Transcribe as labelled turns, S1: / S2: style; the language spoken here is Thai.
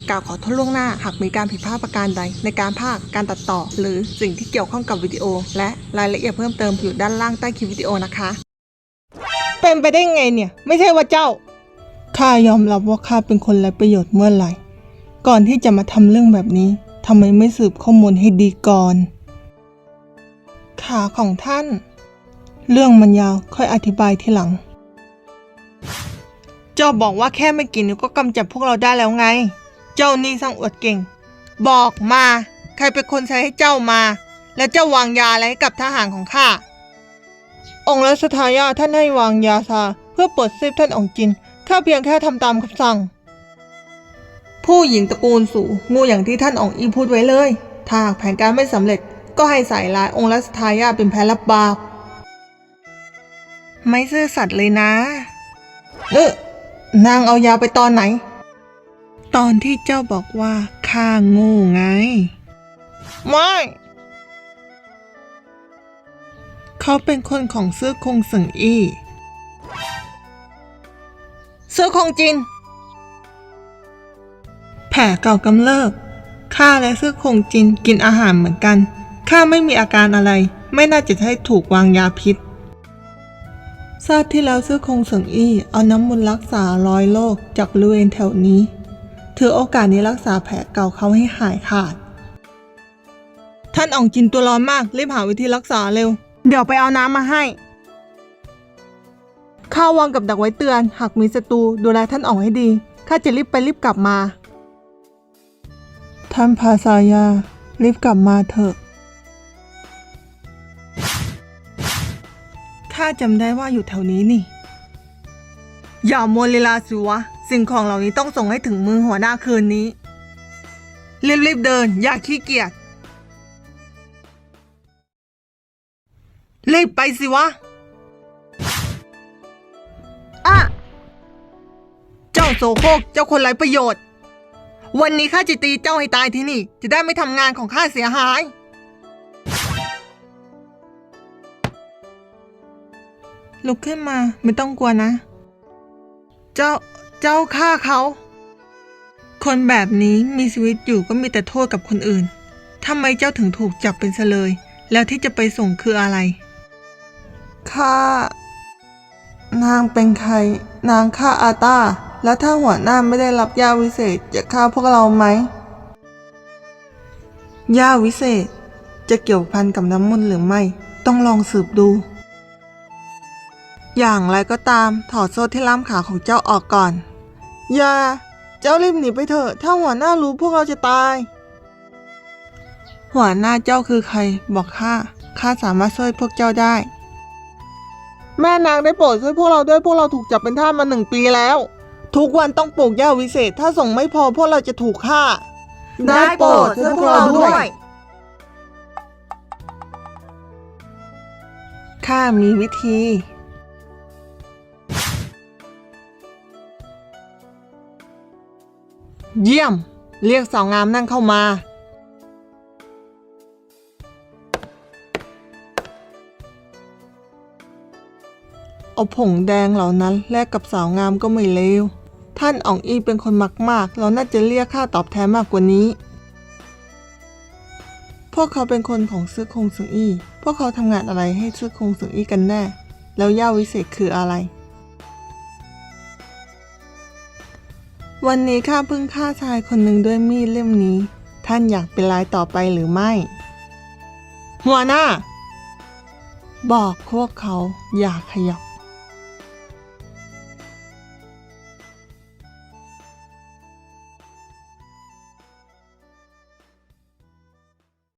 S1: กล่าวขอโทษล่วงหน้าหากมีการผิดพลาดประการใดในการพากย์การตัดต่อหรือสิ่งที่เกี่ยวข้องกับวิดีโอและรายละเอียดเพิ่มเติมอยู่ด้านล่างใต้คลิปวิดีโอนะคะเป็นไปได้ไงเนี่ยไม่ใช่ว่าเจ้าข้ายอมรับว่าข้าเป็นคนไร้ประโยชน์เมื่อไหร่ก่อนที่จะมาทำเรื่องแบบนี้ทำไมไม่สืบข้อมูลให้ดีก่อนขาของท่านเรื่องมันยาวค่อยอธิบายทีหลังเจ้าบอกว่าแค่ไม่กี่นิ้วก็กำจัดพวกเราได้แล้วไงเจ้านี่ช่างอวดเก่งบอกมาใครเป็นคนใช้ให้เจ้ามาแล้วเจ้าวางยาอะไรให้กับทหารของข้าองค์รัชทายาทท่านให้วางยาซาเพื่อปลดซีบท่านองค์จินข้าเพียงแค่ทำตามคำสั่งผู้หญิงตระกูลสู่งูอย่างที่ท่านองค์อีพูดไว้เลยถ้าหากแผนการไม่สำเร็จก็ให้ใส่ร้ายองค์รัชทายาทเป็นแพ้รับบาปไม่ซื่อสัตย์เลยนะนางเอายาไปตอนไหนตอนที่เจ้าบอกว่าข้าโง่ไงไม่เขาเป็นคนของเสื้อคงเสิงอี้เสื้อคงจินแผลเก่ากำเริบข้าและเสื้อคงจินกินอาหารเหมือนกันข้าไม่มีอาการอะไรไม่น่าจะให้ถูกวางยาพิษชาติที่แล้วเสื้อคงเสิงอี้เอาน้ำมนต์รักษารอยโรคจากบริเวณแถวนี้ถือโอกาสนี้รักษาแผลเก่าเขาให้หายขาดท่านอ่องจินตัวร้อนมากรีบหาวิธีรักษาเร็วเดี๋ยวไปเอาน้ำมาให้ข้าวางกับดักไว้เตือนหากมีศัตรูดูแลท่านอ่องให้ดีข้าจะรีบไปรีบกลับมาท่านพาซายารีบกลับมาเถอะข้าจำได้ว่าอยู่แถวนี้นี่อย่ามัวลีลาสิวะสิ่งของเหล่านี้ต้องส่งให้ถึงมือหัวหน้าคืนนี้รีบเดินอย่าขี้เกียจรีบไปสิวะเจ้าโสโครกเจ้าคนไร้ประโยชน์วันนี้ข้าจะตีเจ้าให้ตายที่นี่จะได้ไม่ทำงานของข้าเสียหายลุกขึ้นมาไม่ต้องกลัวนะเจ้าฆ่าเขาคนแบบนี้มีชีวิตอยู่ก็มีแต่โทษกับคนอื่นทำไมเจ้าถึงถูกจับเป็นเฉลยแล้วที่จะไปส่งคืออะไรนางเป็นใครนางฆ่าอาตาแล้วถ้าหัวหน้าไม่ได้รับยาวิเศษจะฆ่าพวกเราไหมยาวิเศษจะเกี่ยวพันกับน้ำมนต์หรือไม่ต้องลองสืบดูอย่างไรก็ตามถอดโซ่ที่ล่ามขาของเจ้าออกก่อนอย่าเจ้ารีบหนีไปเถอะถ้าหัวหน้ารู้พวกเราจะตายหัวหน้าเจ้าคือใครบอกข้าสามารถช่วยพวกเจ้าได้แม่นางได้โปรดช่วยพวกเราด้วยพวกเราถูกจับเป็นทาสมา1 ปีแล้วทุกวันต้องปลูกหญ้าวิเศษถ้าส่งไม่พอพวกเราจะถูกฆ่าได้โปรดช่วยพวกเราด้วยข้ามีวิธีเยี่ยมเรียกสาวงามนั่งเข้ามาเอาผงแดงเหล่านั้นแลกกับสาวงามก็ไม่เลวท่านอ่องอีเป็นคนมากเราน่าจะเรียกค่าตอบแทนมากกว่านี้พวกเขาเป็นคนของซื้อคงสึงอี้พวกเขาทำงานอะไรให้ซื้อคงสึงอี้กันแน่แล้วย่าวิเศษคืออะไรวันนี้ข้าเพิ่งฆ่าชายคนหนึ่งด้วยมีดเล่มนี้ท่านอยากเป็นรายต่อไปหรือไม่หัวหน้าบอกพวกเขาอย่าขยับ